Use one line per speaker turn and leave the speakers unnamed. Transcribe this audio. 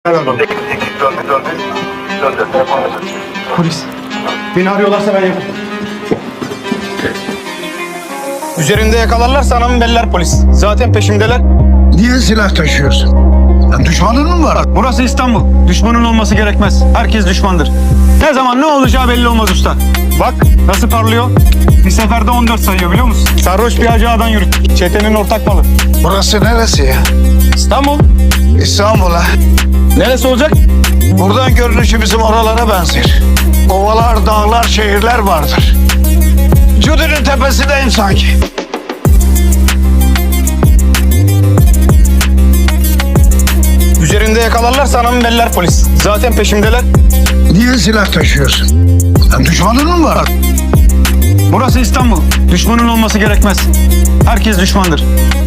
Polis. Beni arıyorlarsa ben yaparım. Üzerinde yakalarlarsa anamı beller polis. Zaten peşimdeler.
Niye silah taşıyorsun? Düşmanın mı var?
Burası İstanbul. Düşmanın olması gerekmez. Herkes düşmandır. Ne zaman ne olacağı belli olmaz usta. Bak nasıl parlıyor. Bir seferde 14 sayıyor biliyor musun? Sarhoş bir hacı ağadan yürüttük. Çetenin ortak malı.
Burası neresi ya?
İstanbul.
İstanbul'a.
Neresi olacak?
Buradan görünüşü bizim oralara benzer. Ovalar, dağlar, şehirler vardır. Cudur'un tepesindeyim sanki.
Üzerinde yakalarlarsa anamı beller polis. Zaten peşimdeler.
Niye silah taşıyorsun? Düşmanın mı var?
Burası İstanbul. Düşmanın olması gerekmez. Herkes düşmandır.